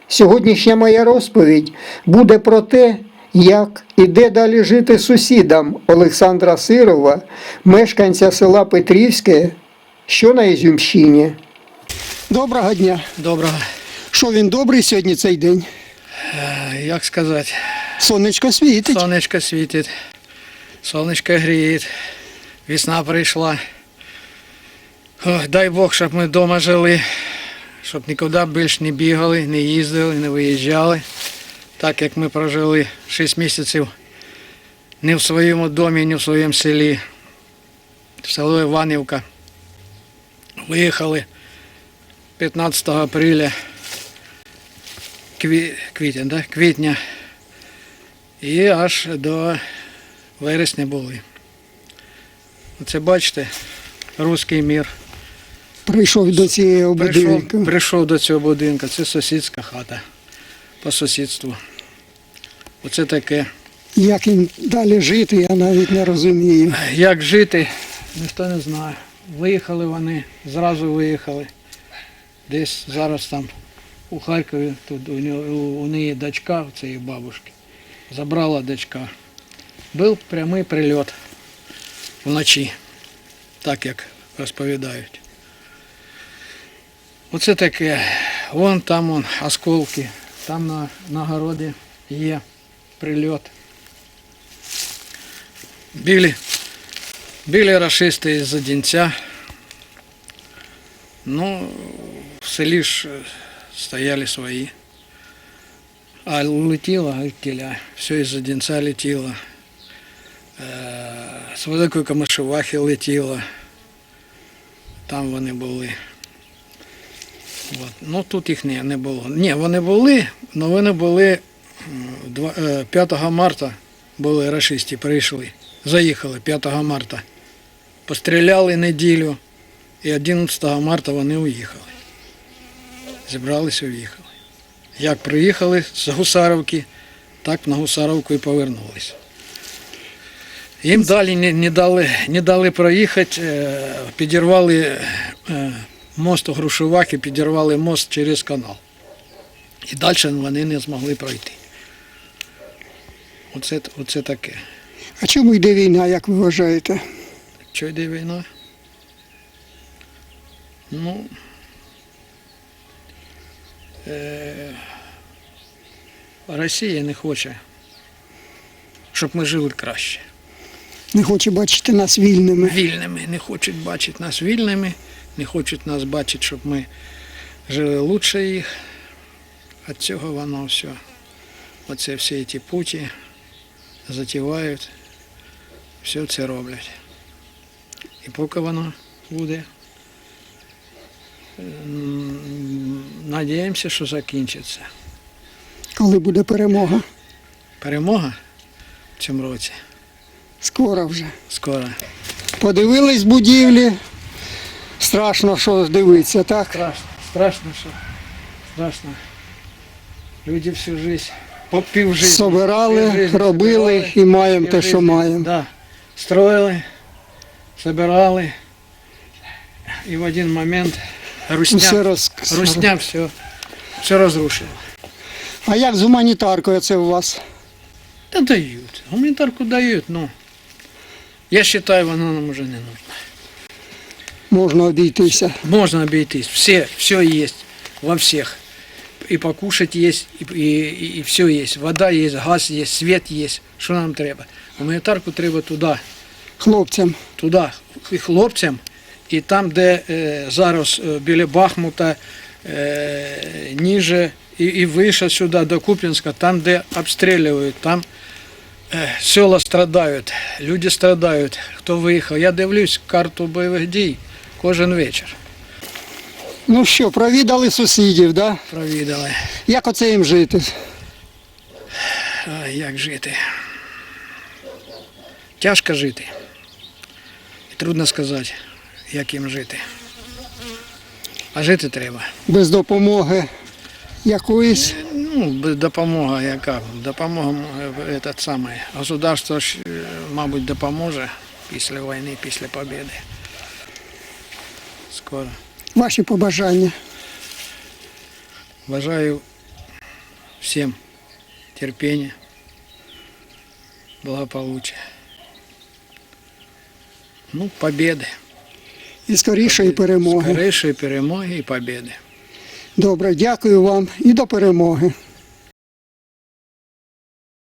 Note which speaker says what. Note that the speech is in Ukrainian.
Speaker 1: Сьогоднішня моя розповідь буде про те, як і де далі жити сусідам Олександра Сирова, мешканця села Петрівське, що на Ізюмщині. Доброго дня.
Speaker 2: Доброго.
Speaker 1: Що він добрий сьогодні цей день?
Speaker 2: Як сказати?
Speaker 1: Сонечко світить.
Speaker 2: Сонечко світить, сонечко гріє, весна прийшла. Ой, дай Бог, щоб ми вдома жили, щоб нікуди більше не бігали, не їздили, не виїжджали. Так як ми прожили 6 місяців не в своєму домі, не в своєму селі, в село Іванівка. Виїхали 15 апреля, квітня, і аж до вересня були. Оце бачите, руський мір.
Speaker 1: Прийшов до цієї будинку.
Speaker 2: Прийшов до цього будинку. Це сусідська хата по сусідству. Оце таке.
Speaker 1: Як їм далі жити, я навіть не розумію.
Speaker 2: Як жити, ніхто не знає. Виїхали вони, зразу виїхали. Десь зараз там у Харкові, тут у неї дочка, у цієї бабушки. Забрала дочка. Був прямий прильот вночі, так як розповідають. Оце таке. Вон там осколки, там на городі є прильот. Били рашисти із-за Дінця. Ну, в селі ж стояли свої. А летіло, все із-за Дінця летіло. З Великої Камишувахи летіло. Там вони були. От. Ну, тут їх не було. Ні, вони були, але вони були 5 марта, були рашисти, прийшли. Заїхали 5 марта. Постріляли неділю і 11 марта вони уїхали. Зібралися і уїхали. Як приїхали з Гусаровки, так на Гусаровку і повернулися. Їм далі не дали проїхати, підірвали мост у Грушовахі, підірвали мост через канал. І далі вони не змогли пройти. Оце таке.
Speaker 1: А чому йде війна, як ви вважаєте?
Speaker 2: Що йде війна? Ну, Росія не хоче, щоб ми жили краще.
Speaker 1: Не хоче бачити нас вільними.
Speaker 2: Вільними. Не хочуть бачити нас вільними, не хочуть нас бачити, щоб ми жили краще їх. Від цього воно все. Оце всі ці путі затівають, все це роблять. І поки воно буде, надіємося, що закінчиться.
Speaker 1: Коли буде перемога?
Speaker 2: Перемога в цьому році?
Speaker 1: Скоро вже.
Speaker 2: Скоро.
Speaker 1: Подивились будівлі, страшно, що дивитися, так?
Speaker 2: Страшно, що. Страшно. Люди всю життя, півжиття.
Speaker 1: Собирали, робили і маємо те, що маємо.
Speaker 2: Да. Строїли, собирали. І в один момент русня все розрушила.
Speaker 1: А як з гуманітаркою це у вас?
Speaker 2: Та дають. Гуманітарку дають, ну. Я вважаю, вона нам вже не нужна.
Speaker 1: Можна обійтися.
Speaker 2: Можно обойтись. Все есть во всех. И покушать есть, и все есть. Вода есть, газ есть, свет есть. Що нам треба? Гуманітарку треба туди.
Speaker 1: Хлопцям.
Speaker 2: Туди. І хлопцям. І там, де зараз біля Бахмута, ниже і вище сюди, до Куп'янська, там, де обстрілюють, там села страдають, люди страдають. Хто виїхав? Я дивлюсь карту бойових дій кожен вечір.
Speaker 1: Ну що, провідали сусідів, так? Да?
Speaker 2: Провідали.
Speaker 1: Як оце їм жити?
Speaker 2: А як жити? Тяжко жити. І трудно сказати, як їм жити. А жити треба.
Speaker 1: Без допомоги якоїсь?
Speaker 2: Ну, без допомоги яка? Допомога, этот самий. Государство ж, мабуть, допоможе після війни, після побєди. Скоро.
Speaker 1: Ваші побажання?
Speaker 2: Бажаю всем терпения, благополучия. Ну, победы.
Speaker 1: І скорішої перемоги.
Speaker 2: Скорейшей перемоги і победи.
Speaker 1: Добре, дякую вам і до перемоги.